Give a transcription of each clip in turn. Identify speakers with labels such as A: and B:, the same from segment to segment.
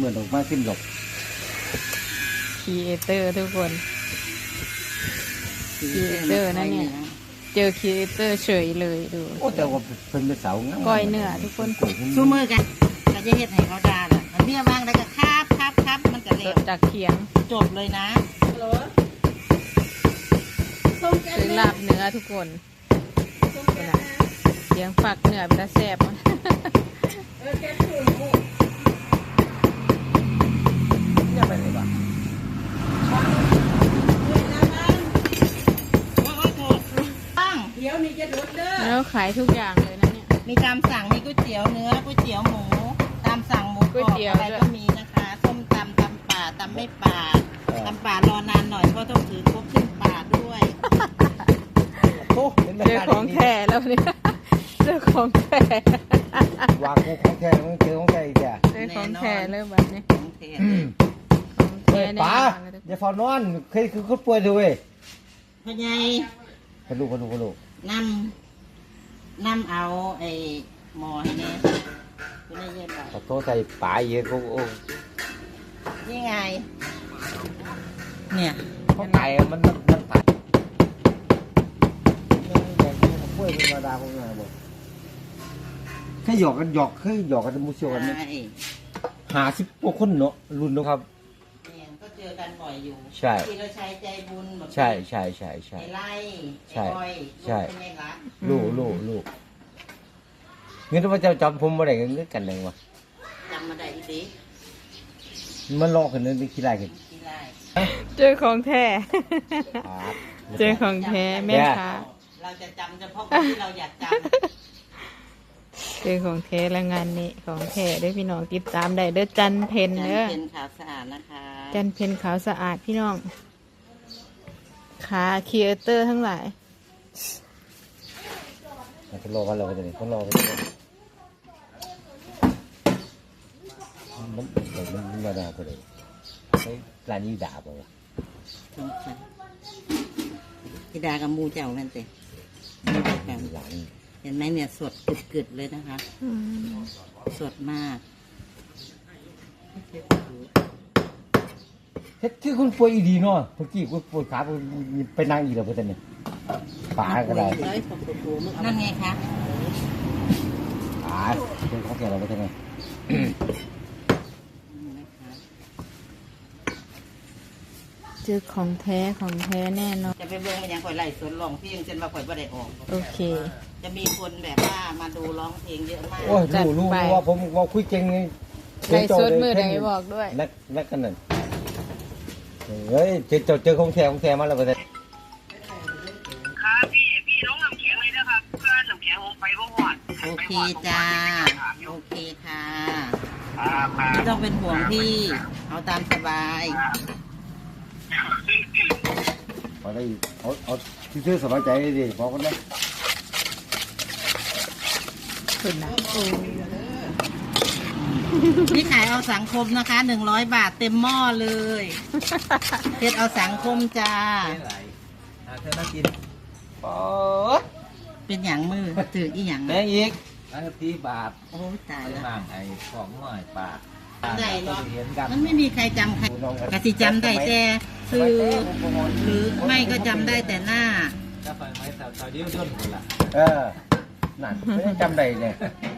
A: มือนดอกไม้ขึ้นหลบ
B: ครีเอเตอร์ทุกคนครีเอเตอร์นั่นเนี่ยเจอครีเอเตอร์เฉยเลยดู
A: โอ้แต่ว่าเป็นเสา
B: ก้อยเนื้อทุกคน
C: สู้มือกันก็จะเฮ็ดให้เขาด่าแหละมันเบี้ยบ้างแล้วก็ครับมันก็เร็ว
B: จากเขียง
C: จบเลยนะ
B: ซื้อลาบเนื้อทุกคนเขียงฝักเนื้อเป็นแซ่บแล้วขายทุกอย่างเลยนะเนี่ย
C: มีตามสั่งมีก๋วยเตี๋ยวเนื้อก๋วยเตี๋ยวหมูตามสั่งหมูกรอบอะไรก็มีนะคะส้มตำป่าตำไม่ป่าตำป่ารอนานหน่อยเพราะต้องถือครบขึ้นป่าด้วย
B: เจอของแท้แล้วเนี่ยเจอของแท้
A: วางของแท้ต้องเจอของแท้อีก
B: เจอของแท้เริ่มแบบนี้
C: ของแท้
A: ป๋าอย่าฟอนอนเคยคือคนป่วยด้วย
C: พ่อใหญ่
A: พลู
C: นำเอาไอ้หมอให้เนี่ยคุณได้ยินป่ะ
A: ขอโทษใจป๋าเยอะก็โอ้
C: นี่ไงเนี่ย
A: เขาตายมันตายป่วยเป็นธรรมดาของงานบอกแค่หยอกกันมุเชียวกันเนี่ย50 กว่าคนเนาะรุ่นเนาะครับ
C: ก็เจอกันบ่อยอยู่
A: ใช่
C: ที่เราใช้ใจบุญ
A: ใช่
C: ไล่
A: ใช่
C: ลูก
A: เงี้ยว่าจะจำผมมาได้เงี้ยกันเลยวะ
C: จำมาได้ดิ
A: มันลอกกันเลยไม่คิดไรกัน
B: เจอของแท้เจอของแท้แม่ค้า
C: เราจะจำเฉพาะคนที่เราอยากจำ
B: เจอของแท้และงานนี้ของแท้ด้วยพี่น้องติดตามได้เด้อจันเพนเด้อ
C: จันเพนขาวสะอาดนะคะ
B: จันเพนขาวสะอาดพี่น้องขาครีเอเตอร์ทั้งหลาย
A: เขารอกันเราจะนี่เขารอกันมันมาด่าไปเลยไอ้ร้านนี้ด่าไปวะ
C: ที่ด่ากับมูเจ้านั่นสิเห็นไหมเนี่ยสดกึดเลยนะคะสดมาก
A: เฮ็ดคือคุณป่วยดีเนาะเมื่อกี้คุณปวดขาไปนั่งอีกแล้วเพื่อนเนี่ยป๋าก็ได้
C: นั่นไงคะ
A: ป๋าเป็นของแกเราไปทำไง
B: เจอของแท้แน่นอน
C: จะไปเบิ่งมันยังข่อยไล่สวนร้องเพลงจนว่าข่อยบ่ได้ออก
B: โอเค
C: จะมีคนแบบว่ามาดูร้องเพลงเยอะมาก
A: โอ้ยรู้ว่าผมว่าคุยเก่งไง
B: ไล่สดมือไหนบอกด้วย
A: นักกันนั่นเฮ้ยเจอของแท้มาแล้วไปเลย
D: ครับพี่ลงน้ำแข็งเลยนะครับเพื่อนน้ำแข็งผมไปบ่หอด
C: โอเคจ้าโอเคค่ะไม่ต้องเป็นห่วงพี่เอาตามสบาย
A: เอาที่ซื้อสบายใจดิบอกกันนะ
B: คุณนะ
C: นี่ขายเอาสังคมนะคะ100 บาทเต็มหม้อเลยเฮ็ดเอาสังคมจ้า
A: เธอน่ากิน
C: เป็นอย่างมือถืออีหยัง
A: แม่อีก30 บาท
C: โอ้ตายแล้ว
A: ไอ้ของหน่อยปาก
C: ได้เนาะมันไม่มีใครจำใครกะสิจำได้แต่ซื้อหรือไม่ก็จำได้แต่หน้า
A: จะไฟไหมสาวเดียวจนละนั่นไม่ได้จำได้เลย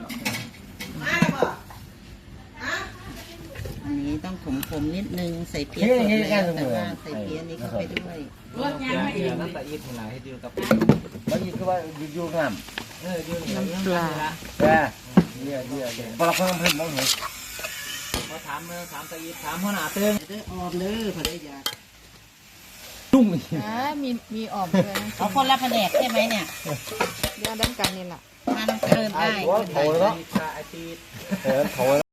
C: อันนี้ต้องขมนิดนึงใส่เพี้ยสดแล้วแต่ว่าใส่เพี้ยนี้เข้าไปด้วย
A: รสยังไม่ถึงน้ำตาอีทหลายให้ดูกับแล้วอีกคือว่าอยู่งาม
B: น้ำปลา
A: เนี่ยพอเราเพิ่มมองเห็น
D: มาถามตาอีถามหัวหน้าเตือน
C: ออมเลยพอได้ยา
A: ตุ้ง
B: มีออมเลย
C: เอาคนละแผนกใช่ไหมเนี่ย
B: เรื่องด้านการนี่แหละ
C: มันเกินได้
A: โถแล้ว